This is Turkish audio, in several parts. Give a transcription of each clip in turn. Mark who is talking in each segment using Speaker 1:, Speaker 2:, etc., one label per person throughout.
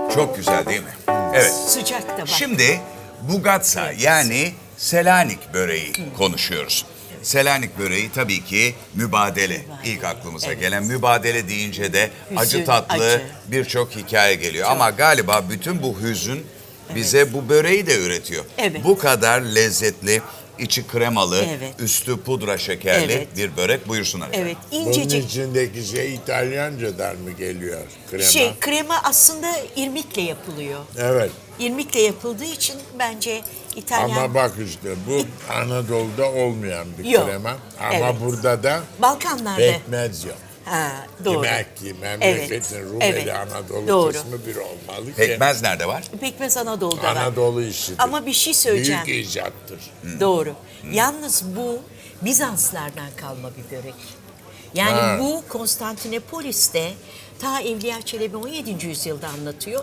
Speaker 1: Çok güzel değil mi? Evet.
Speaker 2: Sıcak da bak.
Speaker 1: Şimdi bugatsa yani Selanik böreği konuşuyoruz. Selanik böreği tabii ki mübadele. İlk aklımıza gelen mübadele deyince de acı
Speaker 2: Hüzün,
Speaker 1: tatlı
Speaker 2: acı.
Speaker 1: birçok hikaye geliyor. Ama galiba bütün bu hüzün bize bu böreği de üretiyor.
Speaker 2: Evet.
Speaker 1: Bu kadar lezzetli, içi kremalı,
Speaker 2: Evet.
Speaker 1: üstü pudra şekerli
Speaker 2: Evet.
Speaker 1: bir börek. Buyursunlar efendim.
Speaker 2: Evet,
Speaker 3: Bunun
Speaker 2: incecik.
Speaker 3: içindeki şey İtalyancadan mı geliyor? Krema.
Speaker 2: Krema aslında irmikle yapılıyor.
Speaker 3: Evet.
Speaker 2: İrmikle yapıldığı için bence İtalyan...
Speaker 3: Ama bak işte bu Anadolu'da olmayan bir
Speaker 2: Yok.
Speaker 3: krema. Ama
Speaker 2: Evet.
Speaker 3: burada da
Speaker 2: Balkanlarda.
Speaker 3: pekmez yok.
Speaker 2: Ha, doğru.
Speaker 3: Demek ki memleketin Rumeli Anadolu
Speaker 2: Doğru.
Speaker 3: kısmı bir olmalı ki.
Speaker 1: Pekmez nerede var?
Speaker 2: Pekmez Anadolu'da var.
Speaker 3: Anadolu işidir.
Speaker 2: Ama bir şey söyleyeceğim.
Speaker 3: Büyük icattır.
Speaker 2: Doğru. Yalnız bu Bizanslardan kalma bir börek. Yani
Speaker 3: Ha.
Speaker 2: bu Konstantinopolis'te ta Evliya Çelebi 17. yüzyılda anlatıyor.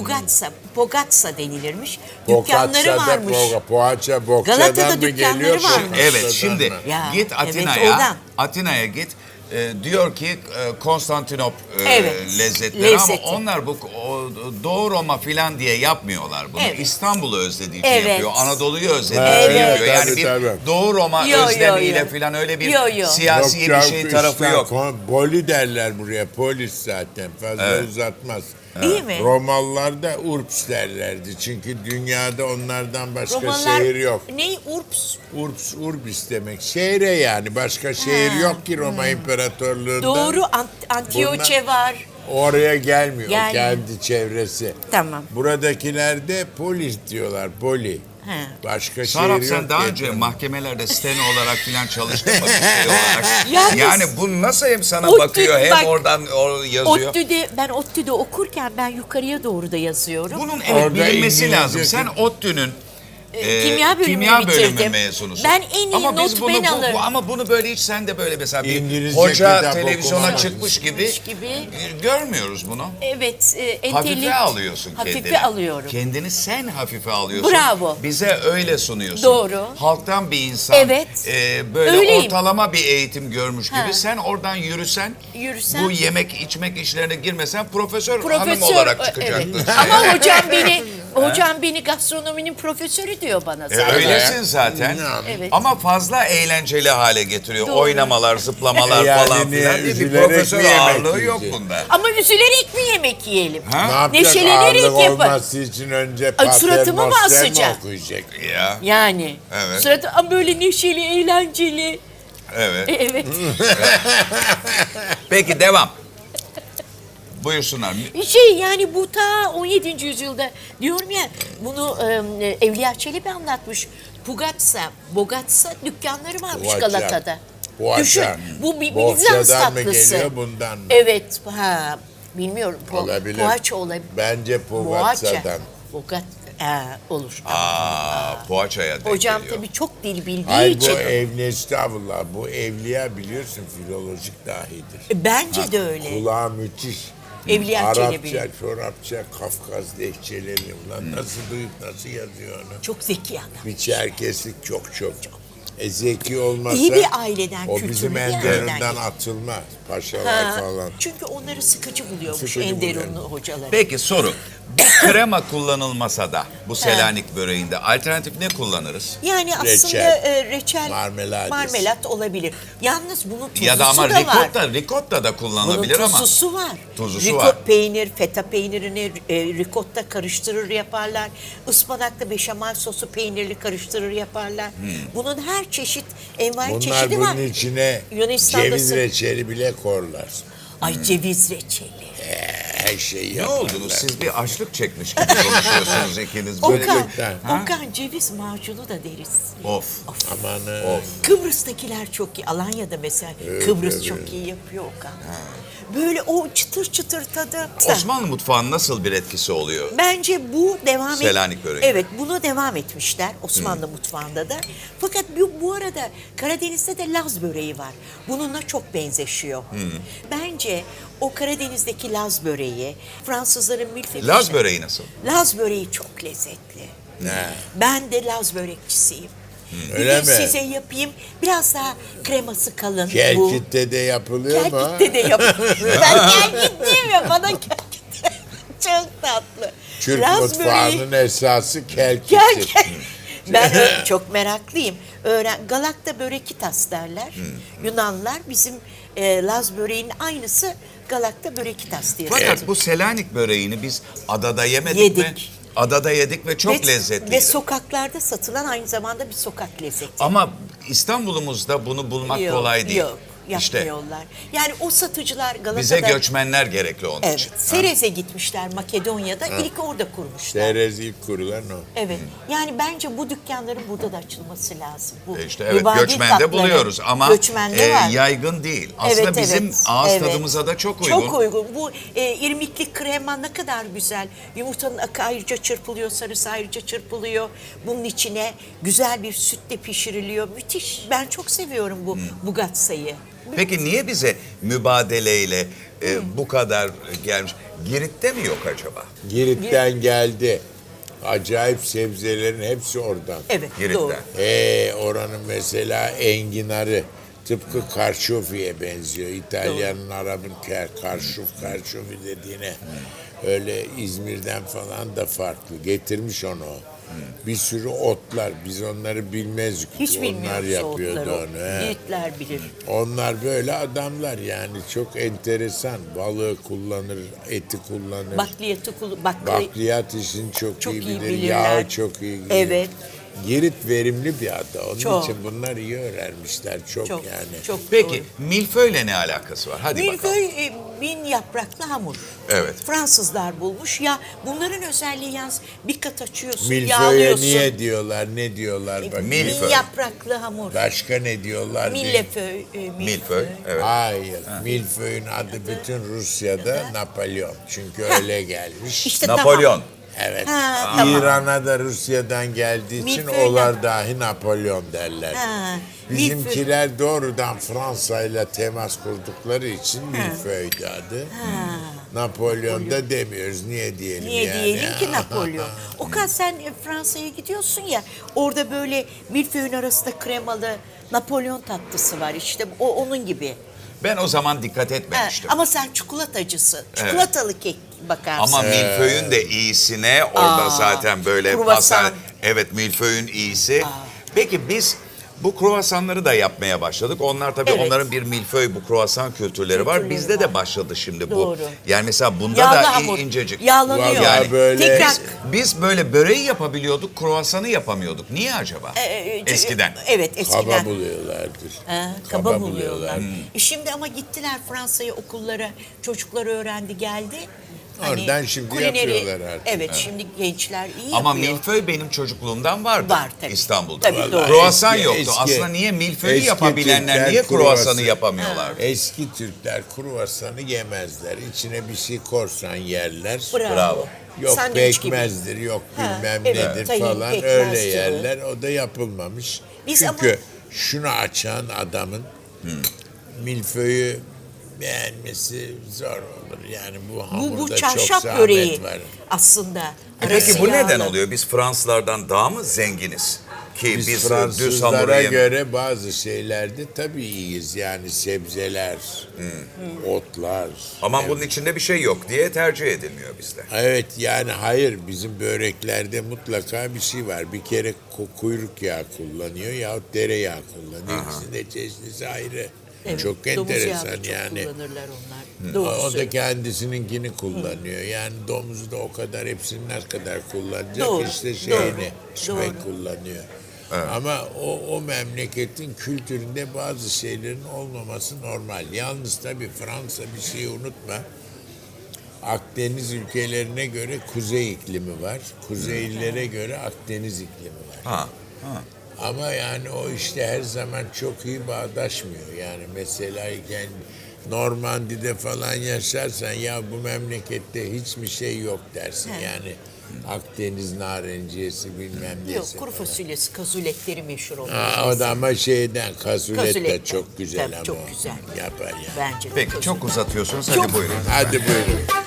Speaker 2: Bogatsa denilirmiş. Dükkanları
Speaker 3: Bokatsa'da
Speaker 2: varmış.
Speaker 3: Poğaça
Speaker 2: Galata'da
Speaker 3: Bokça'dan mı
Speaker 2: dükkanları
Speaker 3: geliyor?
Speaker 2: varmış.
Speaker 1: Evet,
Speaker 3: Bokatsa'dan
Speaker 1: şimdi
Speaker 3: mı?
Speaker 2: Ya,
Speaker 1: git
Speaker 2: evet,
Speaker 1: Atina'ya,
Speaker 2: oradan.
Speaker 1: Atina'ya git. Diyor ki Konstantinop
Speaker 2: Evet,
Speaker 1: lezzetleri
Speaker 2: lezzeti.
Speaker 1: ama onlar bu Doğu Roma filan diye yapmıyorlar bunu.
Speaker 2: Evet.
Speaker 1: İstanbul'u özlediği için
Speaker 2: Evet.
Speaker 1: yapıyor. Anadolu'yu özlediği
Speaker 3: Evet,
Speaker 1: için yapıyor. Yani
Speaker 3: tabii,
Speaker 1: bir
Speaker 3: tabii.
Speaker 1: Doğu Roma
Speaker 2: Yo, yo,
Speaker 1: özlemiyle
Speaker 2: yo.
Speaker 1: filan öyle bir
Speaker 2: Yo, yo.
Speaker 1: siyasi bir
Speaker 3: Yok
Speaker 1: şey
Speaker 3: canım,
Speaker 1: tarafı
Speaker 3: işte
Speaker 1: yok.
Speaker 3: Boli derler buraya, polis zaten fazla uzatmaz.
Speaker 2: Değil mi?
Speaker 3: Romalılar da Urps derlerdi çünkü dünyada onlardan başka
Speaker 2: Romalılar
Speaker 3: şehir yok.
Speaker 2: ne? Urps.
Speaker 3: Urps, Urbis demek şehre yani başka şehir yok ki Roma İmparatorluğu'nda.
Speaker 2: Doğru. Antioche var.
Speaker 3: Oraya gelmiyor
Speaker 2: Yani-
Speaker 3: kendi çevresi.
Speaker 2: Tamam.
Speaker 3: Buradakiler de polis diyorlar, poli.
Speaker 2: He.
Speaker 3: Başka
Speaker 1: Sarap
Speaker 3: şehir yok
Speaker 1: sen daha
Speaker 3: ki.
Speaker 1: önce mahkemelerde steno olarak filan çalıştın mı? Şey olarak.
Speaker 2: Yalnız-
Speaker 1: Yani bu nasıl hem sana
Speaker 2: ODTÜ
Speaker 1: bakıyor hem
Speaker 2: bak-
Speaker 1: oradan yazıyor.
Speaker 2: Ben ODTÜ'de okurken ben yukarıya doğru da yazıyorum.
Speaker 1: Bunun evet
Speaker 3: Orada
Speaker 1: bilinmesi
Speaker 3: İngilizce-
Speaker 1: lazım. Sen ODTÜ'nün
Speaker 2: Kimya bölümünü
Speaker 1: kimya bölümü
Speaker 2: bitirdim.
Speaker 1: mezunusun.
Speaker 2: Ben en iyi
Speaker 1: ama biz
Speaker 2: not
Speaker 1: bunu,
Speaker 2: ben alırım.
Speaker 1: ama bunu böyle hiç sen de böyle mesela bir
Speaker 3: İngilizce
Speaker 1: hoca
Speaker 3: kitap
Speaker 1: televizyona
Speaker 3: okumak.
Speaker 1: çıkmış gibi,
Speaker 2: gibi.
Speaker 1: Görmüyoruz bunu.
Speaker 2: Evet.
Speaker 1: Hafife alıyorsun kendini.
Speaker 2: Hafife alıyorum.
Speaker 1: Kendini sen hafife alıyorsun.
Speaker 2: Bravo.
Speaker 1: Bize öyle sunuyorsun.
Speaker 2: Doğru.
Speaker 1: Halktan bir insan
Speaker 2: Evet.
Speaker 1: böyle
Speaker 2: Öyleyim.
Speaker 1: ortalama bir eğitim görmüş gibi
Speaker 2: Ha.
Speaker 1: sen oradan yürüsen,
Speaker 2: Yürüsem-
Speaker 1: bu yemek içmek işlerine girmesen profesör hanım
Speaker 2: Profesör
Speaker 1: olarak çıkacaktın.
Speaker 2: evet. Ama hocam beni gastronominin profesörü diyor bana zaten.
Speaker 1: Öylesin zaten.
Speaker 2: Evet.
Speaker 1: Ama fazla eğlenceli hale getiriyor.
Speaker 2: Doğru.
Speaker 1: Oynamalar, zıplamalar
Speaker 3: Yani
Speaker 1: falan
Speaker 3: niye
Speaker 1: filan. Bir
Speaker 3: üzülerek
Speaker 1: profesör
Speaker 3: mi yemek
Speaker 1: ağırlığı yok
Speaker 3: yiyecek?
Speaker 1: bunda.
Speaker 2: Ama üzülerek mi yemek yiyelim?
Speaker 1: Ha?
Speaker 3: Ne yapacağız?
Speaker 2: Neşelenerek
Speaker 3: Ağırlık
Speaker 2: yapar.
Speaker 3: olması için önce
Speaker 2: Ay, suratıma mı
Speaker 3: Paternoster mi
Speaker 2: asacak?
Speaker 3: okuyacak?
Speaker 1: Ya,
Speaker 2: Yani.
Speaker 1: Evet.
Speaker 2: Sırada ama böyle neşeli, eğlenceli.
Speaker 1: evet.
Speaker 2: Evet.
Speaker 1: Peki devam. Buyursunlar.
Speaker 2: Yani bu ta 17. yüzyılda diyorum ya bunu Evliya Çelebi anlatmış. Bogatsa dükkanları varmış
Speaker 3: Poğaça.
Speaker 2: Galata'da.
Speaker 3: Poğaça.
Speaker 2: Düşün bu bir
Speaker 3: Bohçadan
Speaker 2: Bizans
Speaker 3: mı
Speaker 2: tatlısı.
Speaker 3: geliyor, bundan mı?
Speaker 2: Evet. Bilmiyorum.
Speaker 3: Olabilir.
Speaker 2: Poğaça olabilir.
Speaker 3: Bence Pogatsa'dan.
Speaker 2: Olur.
Speaker 1: Poğaçaya denk
Speaker 2: Hocam
Speaker 1: geliyor.
Speaker 2: tabii çok dil bildiği
Speaker 3: Hayır
Speaker 2: için.
Speaker 3: bu estağfurullah bu evliya biliyorsun filolojik dahidir.
Speaker 2: Bence de öyle.
Speaker 3: Kulağı müthiş.
Speaker 2: Evliya
Speaker 3: Arapça,
Speaker 2: Çelebi.
Speaker 3: Çorapça, Kafkas lehçeleri ulan nasıl duyup nasıl yazıyor onu?
Speaker 2: Çok zeki adam.
Speaker 3: Bir Çerkeslik çok. Zeki olmasa
Speaker 2: İyi bir aileden,
Speaker 3: o
Speaker 2: kültürlü
Speaker 3: bizim
Speaker 2: bir aileden
Speaker 3: Enderun'dan
Speaker 2: geliyor.
Speaker 3: atılmaz. Paşalar
Speaker 2: Ha,
Speaker 3: falan.
Speaker 2: çünkü onları sıkıcı buluyormuş
Speaker 3: Sıkıcı
Speaker 2: Enderunlu
Speaker 3: buluyor.
Speaker 2: hocaları.
Speaker 1: Peki soru. Bu krema kullanılmasa da bu Selanik böreğinde alternatif ne kullanırız?
Speaker 2: Yani aslında
Speaker 3: Reçel.
Speaker 2: reçel,
Speaker 3: Marmeladesi.
Speaker 2: marmelat olabilir. Yalnız bunun tuzlusu
Speaker 1: Ya da ama
Speaker 2: da var.
Speaker 1: ricotta da
Speaker 2: Bunun
Speaker 1: kullanılabilir ama.
Speaker 2: tuzlusu var.
Speaker 1: Tuzlusu var.
Speaker 2: Peynir, feta peynirini ricotta karıştırır yaparlar. Ispanaklı beşamel sosu peynirli karıştırır yaparlar. Bunun her çeşit envai
Speaker 3: Bunlar
Speaker 2: çeşidi var.
Speaker 3: bunun içine
Speaker 2: Yunanistan'da
Speaker 3: ceviz reçeli bile korlar.
Speaker 2: Ay ceviz reçeli.
Speaker 3: Her şeyi
Speaker 1: Ne
Speaker 3: yaparlar.
Speaker 1: oldunuz? Siz bir açlık çekmiş gibi konuşuyorsunuz ikiniz. Böyle.
Speaker 2: Okan ceviz macunu da deriz.
Speaker 1: Of.
Speaker 3: Amanın.
Speaker 2: Kıbrıs'takiler çok iyi. Alanya'da mesela Kıbrıs çok iyi yapıyor Okan. Böyle o çıtır çıtır tadı.
Speaker 1: Osmanlı mutfağının nasıl bir etkisi oluyor?
Speaker 2: Bence bu devam
Speaker 1: Selanik böreği.
Speaker 2: Evet, bunu devam etmişler Osmanlı mutfağında da. Fakat bu arada Karadeniz'de de Laz böreği var. Bununla çok benzeşiyor. Bence o Karadeniz'deki Laz böreği, Fransızların milföy.
Speaker 1: Laz böreği nasıl?
Speaker 2: Laz böreği çok lezzetli.
Speaker 3: Ne?
Speaker 2: Ben de Laz börekçisiyim.
Speaker 3: Öyle
Speaker 2: Bir gün
Speaker 3: mi?
Speaker 2: size yapayım. Biraz daha kreması kalın. Bu.
Speaker 3: Kerkit'te de yapılıyor mu?
Speaker 2: Kerkit'te de yapıyorum. Ben Kerkit'liyim ya, bana Kerkit. Çok tatlı.
Speaker 3: Türk
Speaker 2: Laz
Speaker 3: mutfağının esası
Speaker 2: Gel
Speaker 3: kelkisi.
Speaker 2: gel. Ben çok meraklıyım. Galakta börekitas derler. Yunanlılar bizim Laz böreğinin aynısı Galakta börekitas diye.
Speaker 1: Fakat bu Selanik böreğini biz adada yemedik mi?
Speaker 2: Yedik.
Speaker 1: Adada yedik ve çok lezzetliydi.
Speaker 2: Ve sokaklarda satılan aynı zamanda bir sokak lezzeti.
Speaker 1: Ama İstanbul'umuzda bunu bulmak
Speaker 2: Yok,
Speaker 1: kolay değil.
Speaker 2: Yok,
Speaker 1: İşte
Speaker 2: yapmıyorlar. Yani o satıcılar Galata'da...
Speaker 1: bize göçmenler gerekli onun
Speaker 2: Evet,
Speaker 1: için.
Speaker 2: Serez'e gitmişler Makedonya'da. İlk orada kurmuşlar.
Speaker 3: Serez ilk kurulan o.
Speaker 2: Evet. Yani bence bu dükkanların burada da açılması lazım. Bu
Speaker 1: İşte evet,
Speaker 2: mübadil
Speaker 1: göçmende
Speaker 2: tatları,
Speaker 1: buluyoruz ama
Speaker 2: göçmende var.
Speaker 1: yaygın değil. Aslında
Speaker 2: Evet,
Speaker 1: bizim
Speaker 2: evet,
Speaker 1: ağız
Speaker 2: evet.
Speaker 1: tadımıza da çok uygun.
Speaker 2: Çok uygun. Bu irmikli krema ne kadar güzel. Yumurtanın akı ayrıca çırpılıyor, sarısı ayrıca çırpılıyor. Bunun içine güzel bir sütle pişiriliyor. Müthiş. Ben çok seviyorum bu bugatsayı.
Speaker 1: Peki niye bize mübadeleyle bu kadar gelmiş? Girit'te mi yok acaba?
Speaker 3: Girit'ten geldi. Acayip sebzelerin hepsi oradan.
Speaker 2: Evet,
Speaker 1: Girit'ten.
Speaker 2: doğru.
Speaker 3: Oranın mesela enginarı tıpkı karşofiye benziyor. İtalyanın, Arap'ın karşofi dediğine. Öyle İzmir'den falan da farklı. Getirmiş onu o. Bir sürü otlar. Biz onları bilmezdik.
Speaker 2: Hiç
Speaker 3: Onlar
Speaker 2: bilmiyoruz
Speaker 3: yapıyordu
Speaker 2: otları.
Speaker 3: onu. he.
Speaker 2: Yiğitler bilir.
Speaker 3: Onlar böyle adamlar yani çok enteresan. Balığı kullanır, eti kullanır.
Speaker 2: Bakliyatı
Speaker 3: Bakliyat işini çok iyi bilir.
Speaker 2: bilirler.
Speaker 3: Yağı çok iyi bilir.
Speaker 2: Evet.
Speaker 3: Girit verimli bir ada. Onun
Speaker 2: Çok.
Speaker 3: için bunlar iyi öğrenmişler. Çok
Speaker 2: Çok,
Speaker 3: yani.
Speaker 2: çok
Speaker 1: Peki
Speaker 2: doğru.
Speaker 1: milföyle ne alakası var? Hadi bakalım.
Speaker 2: Milföy bin yapraklı hamur.
Speaker 1: Evet.
Speaker 2: Fransızlar bulmuş. Ya bunların özelliği yalnız bir kat açıyorsun,
Speaker 3: Milföye
Speaker 2: yağlıyorsun.
Speaker 3: niye diyorlar, ne diyorlar bakayım.
Speaker 1: Milföy.
Speaker 2: Bin yapraklı hamur.
Speaker 3: Başka ne diyorlar?
Speaker 2: Milleföy.
Speaker 1: Milföy, evet.
Speaker 3: Hayır. Milföy'ün adı bütün Rusya'da Napolyon. Çünkü öyle gelmiş.
Speaker 2: İşte
Speaker 1: Napolyon.
Speaker 2: tamam.
Speaker 3: Evet.
Speaker 2: Ha, tamam.
Speaker 3: İran'a da Rusya'dan geldiği için
Speaker 2: Milföy
Speaker 3: onlar dahi Napolyon derler.
Speaker 2: Ha,
Speaker 3: Bizimkiler doğrudan Fransa ile temas kurdukları için Milföy'dü adı. Napolyon da demiyoruz. Niye diyelim
Speaker 2: Niye
Speaker 3: yani?
Speaker 2: diyelim ki Napolyon? Okan sen Fransa'ya gidiyorsun ya, orada böyle milföyün arasında kremalı Napolyon tatlısı var, işte o onun gibi.
Speaker 1: Ben o zaman dikkat
Speaker 2: Ha,
Speaker 1: etmemiştim.
Speaker 2: ama sen çikolatacısın. Çikolatalı kek bakarsın.
Speaker 1: Ama milföyün de iyisine orada zaten böyle
Speaker 2: kruvasan.
Speaker 1: pasta. Evet, milföyün iyisi. Peki biz bu kruvasanları da yapmaya başladık. Onlar tabii
Speaker 2: Evet.
Speaker 1: onların bir milföy, bu kruvasan kültürleri var.
Speaker 2: Kültürleri
Speaker 1: Bizde
Speaker 2: var.
Speaker 1: de başladı şimdi bu.
Speaker 2: Doğru.
Speaker 1: Yani mesela bunda
Speaker 2: Yağlı
Speaker 1: da
Speaker 2: hamur.
Speaker 1: incecik.
Speaker 2: Yağlanıyor.
Speaker 3: Vallahi
Speaker 1: Yani
Speaker 3: böyle
Speaker 2: Tekrar.
Speaker 1: biz böyle böreği yapabiliyorduk, kruvasanı yapamıyorduk. Niye acaba? Eskiden.
Speaker 2: Evet, eskiden.
Speaker 3: Kaba buluyorlardır.
Speaker 2: Kaba buluyorlar. Şimdi ama gittiler Fransa'ya, okullara, çocuklar öğrendi, geldi.
Speaker 3: Oradan şimdi yapıyorlar artık.
Speaker 2: Evet, şimdi gençler iyi
Speaker 1: Ama
Speaker 2: yapıyor.
Speaker 1: milföy benim çocukluğumdan vardı.
Speaker 2: Var tabii.
Speaker 1: İstanbul'da.
Speaker 2: Tabii, doğru.
Speaker 1: Kruvasan
Speaker 3: Eski-
Speaker 1: yoktu.
Speaker 3: eski-
Speaker 1: Aslında niye milföyü
Speaker 3: eski
Speaker 1: yapabilenler
Speaker 3: Türkler
Speaker 1: niye kruvasanı
Speaker 3: kruvasan-
Speaker 1: yapamıyorlar?
Speaker 3: Eski Türkler kruvasanı yemezler. İçine bir şey korsan yerler.
Speaker 1: Bravo.
Speaker 3: Yok
Speaker 2: Sandviç gibi.
Speaker 3: pekmezdir, yok bilmem
Speaker 2: evet.
Speaker 3: nedir
Speaker 2: Tayin,
Speaker 3: falan
Speaker 2: pekmez
Speaker 3: öyle
Speaker 2: gibi.
Speaker 3: yerler. O da yapılmamış.
Speaker 2: Biz
Speaker 3: Çünkü
Speaker 2: ama-
Speaker 3: şunu açan adamın milföyü beğenmesi zor olur. Yani bu hamurda
Speaker 2: Bu
Speaker 3: çok
Speaker 2: çarşaf
Speaker 3: zahmet
Speaker 2: böreği
Speaker 3: var.
Speaker 2: aslında.
Speaker 1: Peki
Speaker 2: Arası
Speaker 1: bu neden
Speaker 2: yağlı.
Speaker 1: oluyor? Biz Fransızlardan daha mı zenginiz? Ki
Speaker 3: Biz
Speaker 1: düz hamuru
Speaker 3: Fransızlara
Speaker 1: yem-
Speaker 3: göre bazı şeylerde tabii iyiyiz. Yani sebzeler, otlar.
Speaker 1: Ama bunun içinde bir şey yok diye tercih edilmiyor bizde.
Speaker 3: Evet yani hayır bizim böreklerde mutlaka bir şey var. Bir kere kuyruk yağı kullanıyor yahut dereyağı kullanıyor. İkisinin de çeşnisi ayrı.
Speaker 2: Evet,
Speaker 3: Çok
Speaker 2: domuz yağı da
Speaker 3: enteresan
Speaker 2: çok
Speaker 3: yani.
Speaker 2: kullanırlar onlar.
Speaker 3: O
Speaker 2: Doğru
Speaker 3: da
Speaker 2: söylüyorsun.
Speaker 3: kendisininkini kullanıyor. Yani domuzu da o kadar hepsinin ne kadar kullanacak
Speaker 2: Doğru,
Speaker 3: işte şeyini
Speaker 2: doğru.
Speaker 3: pek kullanıyor. Ama o memleketin kültüründe bazı şeylerin olmaması normal. Yalnız tabii Fransa bir şeyi unutma. Akdeniz ülkelerine göre kuzey iklimi var. Kuzeylilere göre Akdeniz iklimi var.
Speaker 1: Ha.
Speaker 3: Ama yani o işte her zaman çok iyi bağdaşmıyor. Yani mesela Normandi'de falan yaşarsan ya bu memlekette hiçbir şey yok dersin. Yani Akdeniz narenciyesi bilmem nesi.
Speaker 2: Yok, kuru fasulyesi, kazuletleri meşhur oluyor.
Speaker 3: O da ama şeyden kazulet de
Speaker 2: Kazuletten.
Speaker 3: çok güzel
Speaker 2: Tabii,
Speaker 3: ama
Speaker 2: çok
Speaker 3: o
Speaker 2: güzel.
Speaker 3: yapar yani.
Speaker 2: Bence de.
Speaker 1: Peki çok uzatıyorsunuz. Hadi
Speaker 2: Çok-
Speaker 1: buyurun.
Speaker 3: Hadi buyurun.